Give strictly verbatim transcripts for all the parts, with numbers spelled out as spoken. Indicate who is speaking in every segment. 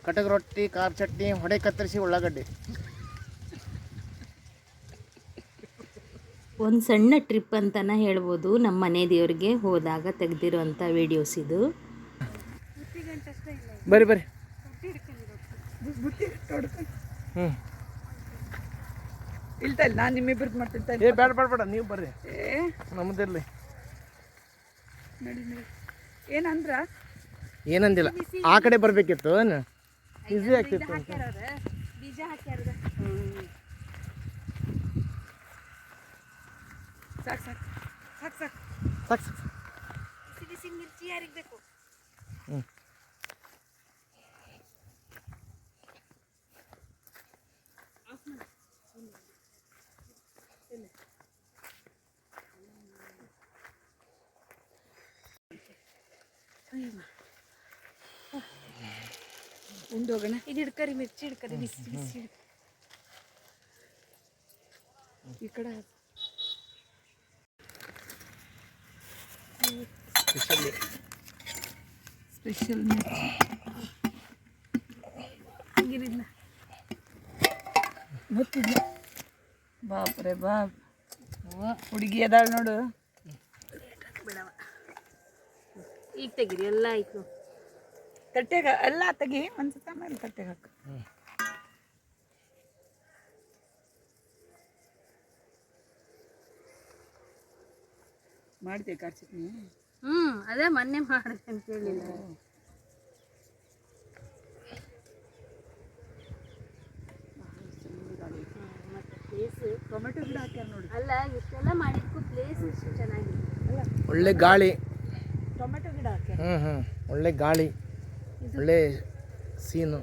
Speaker 1: ಕಟಕ್ ರೊಟ್ಟಿ, ಖಾರ ಚಟ್ನಿ, ಹೊಡೆ ಕತ್ತರಿಸಿ ಉಳ್ಳಾಗಡ್ಡಿ.
Speaker 2: ಒಂದು ಸಣ್ಣ ಟ್ರಿಪ್ ಅಂತಲೇ ಹೇಳ್ಬೋದು. ನಮ್ಮ ಮನೆ ದೇವ್ರಿಗೆ ಹೋದಾಗ ತೆಗೆದಿರೋಂಥ ವೀಡಿಯೋಸ್ ಇದು.
Speaker 1: ಬರ್ರಿ ಬರ್ರಿ. ಹ್ಞೂ
Speaker 3: ಇಲ್ತಾ ಇಲ್ಲ, ನಾನು ನಿಮ್ಮಿಬ್ಬರದ್ದು ಮಾಡ್ತಿರ್ತಾ
Speaker 1: ಏ ಬೇಡ ಬೇಡ ಬೇಡ, ನೀವು ಬರ್ರಿ, ನಮ್ಮದಿರಲಿ.
Speaker 3: ನಡಿ ನಡಿ. ಏನಂದ್ರ
Speaker 1: ಏನಂದಿಲ್ಲ, ಆ ಕಡೆ ಬರಬೇಕಿತ್ತು. ಈಸಿ ಆಗ್ತಿತ್ತು.
Speaker 2: ಬೀಜ ಹಾಕ್ಯಾರದ
Speaker 3: ಸಾಕು ಸಾಕು ಸಾಕು ಸಾಕು
Speaker 1: ಸಾಕು ಸಾಕು.
Speaker 2: ಬಿಸಿ ಬಿಸಿ ಮಿರ್ಚಿ ಯಾರಿಗೆ ಬೇಕು?
Speaker 1: ಹ್ಞೂ
Speaker 3: ಉಂಡೋಗೋಣ.
Speaker 2: ಇದು ಹಿಡ್ಕರಿ, ಮಿರ್ಚಿ ಹಿಡ್ಕರಿ, ಬಿಸಿ ಬಿಸಿ
Speaker 3: ಈ ಕಡೆ
Speaker 1: ಸ್ಪೆಷಲ್
Speaker 3: ಸ್ಪೆಷಲ್ ಮಿರ್ಚಿ
Speaker 2: ಗಿರಿಲ್ಲ
Speaker 3: ಗೊತ್ತಿಲ್ಲ. ಬಾಪ್ರೆ ಬಾಪ್, ಹುಡುಗಿ ಅದಾಳ ನೋಡು.
Speaker 2: ಬಿಡವ, ಈಗ ತೆಗೀರಿ, ಎಲ್ಲ ಆಯ್ತು.
Speaker 3: ತಟ್ಟೆಗ ಎಲ್ಲ ತೆಗಿ, ಒಂದ್ಸತ ಮೇಲೆ ತಟ್ಟೆಗೆ ಹಾಕು. ಮಾಡ್ತೀವಿ ಖಾರ ಚಟ್ನಿ?
Speaker 2: ಹ್ಞೂ ಅದೇ ಮೊನ್ನೆ ಮಾಡಿದೆ ಅಂತ ಹೇಳಿಲ್ಲ. ಮತ್ತು ಪ್ಲೇಸು
Speaker 3: ಟೊಮೆಟೊ ಗಿಡ ಹಾಕ್ಯಾರ ನೋಡಿ.
Speaker 2: ಅಲ್ಲ, ಇಷ್ಟೆಲ್ಲ ಮಾಡಿದ್ಕು ಪ್ಲೇಸ್ ಚೆನ್ನಾಗಿದೆ ಅಲ್ಲ.
Speaker 1: ಒಳ್ಳೆ ಗಾಳಿ.
Speaker 3: ಟೊಮೆಟೊ ಗಿಡ ಹಾಕ್ಯಾರ.
Speaker 1: ಹ್ಞೂ ಹ್ಞೂ ಒಳ್ಳೆ ಗಾಳಿ, ಒಳ್ಳೆ ಸೀನು.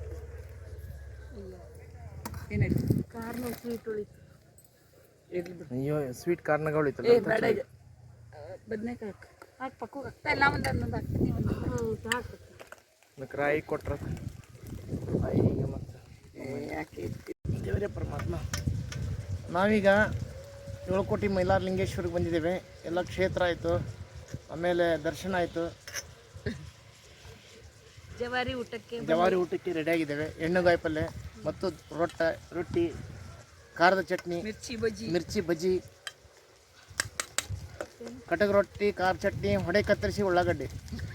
Speaker 3: ಏನಾಯ್ತು?
Speaker 2: ಕಾರ್ನ ಸ್ವೀಟ್ ಉಳಿತು.
Speaker 3: ಇರ್ಲಿ ಬಿಡು.
Speaker 1: ಅಯ್ಯೋ, ಸ್ವೀಟ್ ಕಾರ್ನಾಗ
Speaker 3: ಏ
Speaker 1: ಉಳಿತಲ್ಲ.
Speaker 3: ಬೇಡ, ಬದನೇಕಾಯಿ ಹಾಕು. ಹಾಕಿ ಪಕ್ಕು ಹಾಕ್ತಾ ಇಲ್ಲ, ಒಂದು ಹನ್ನೊಂದು ಹಾಕ್ತೀನಿ. ಒಂದು
Speaker 2: ಹ್ಞೂ ಹಾಕ್ಬೇಕು.
Speaker 1: ಅದಕ್ಕೆ ರಾಯಿ ಕೊಟ್ರ ರಾಯಿಗೆ ಮತ್ತು
Speaker 3: ಯಾಕೆ
Speaker 1: ದೇವರೇ ಪರಮಾತ್ಮ. ನಾವೀಗ ಏಳುಕೋಟಿ ಮೈಲಾರಲಿಂಗೇಶ್ವರಿಗೆ ಬಂದಿದ್ದೇವೆ. ಎಲ್ಲ ಕ್ಷೇತ್ರ ಆಯಿತು, ಆಮೇಲೆ ದರ್ಶನ ಆಯಿತು,
Speaker 2: ಜವಾರಿ ಊಟಕ್ಕೆ
Speaker 1: ಜವಾರಿ ಊಟಕ್ಕೆ ರೆಡಿಯಾಗಿದ್ದೇವೆ. ಎಣ್ಣೆಗಾಯಿ ಪಲ್ಯ ಮತ್ತು ರೊಟ್ಟ ರೊಟ್ಟಿ, ಖಾರದ ಚಟ್ನಿ,
Speaker 3: ಮಿರ್ಚಿ ಬಜ್ಜಿ,
Speaker 1: ಮಿರ್ಚಿ ಬಜ್ಜಿ, ಕಟಕ್ ರೊಟ್ಟಿ, ಖಾರ ಚಟ್ನಿ, ಹೊಡೆ ಕತ್ತರಿಸಿ ಉಳ್ಳಾಗಡ್ಡಿ.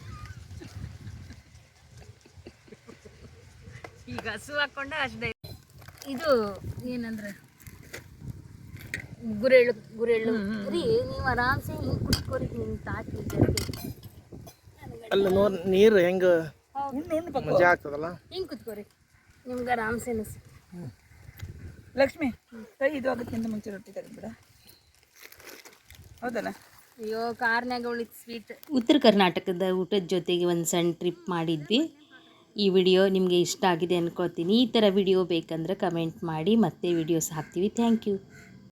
Speaker 2: ಈಗ ಹಸು ಹಾಕೊಂಡ ಅಷ್ಟೇ. ಇದು ಏನಂದ್ರೆ ಗುರೆಳ್ಳು ಗುರೆಳ್ಳು ರೀ. ನೀವು ಆರಾಮ್ಸೆ ಹಿಂಗೆ ಕುಟ್ಕೋರಿ, ಹಿಂಗೆ ತಾಕಿ
Speaker 1: ಅಲ್ಲ ನೋಡ್ ನೀರು ಹೆಂಗೆ
Speaker 3: ಉಣ್ಣು ಉಣ್ಣು ಪಕ್ಕ
Speaker 1: ಮಜಾ ಆಗ್ತದಲ್ಲ.
Speaker 2: ಹಿಂಗೆ ಕುತ್ಕೋರಿ, ನಿಮ್ಗೆ ಆರಾಮ್ಸೆ ಅನಿಸಿ.
Speaker 3: ಲಕ್ಷ್ಮಿ, ಕೈ ಇದು ಆಗೋಕ್ಕಿಂತ ಮುಂಚೆ ರೊಟ್ಟಿ ತೆಗೆದ್ಬಿಡ. ಹೌದಲ್ಲ?
Speaker 2: ಅಯ್ಯೋ, ಕಾರ್ನಾಗ ಉಳಿತು ಸ್ವೀಟ್. ಉತ್ತರ ಕರ್ನಾಟಕದ ಊಟದ ಜೊತೆಗೆ ಒಂದು ಸಣ್ಣ ಟ್ರಿಪ್ ಮಾಡಿದ್ವಿ. ಈ ವಿಡಿಯೋ ನಿಮಗೆ ಇಷ್ಟ ಆಗಿದೆ ಅಂದ್ಕೊಳ್ತೀನಿ. ಈ ಥರ ವಿಡಿಯೋ ಬೇಕಂದ್ರೆ ಕಮೆಂಟ್ ಮಾಡಿ, ಮತ್ತೆ ವಿಡಿಯೋಸ್ ಹಾಕ್ತೀವಿ. Thank you.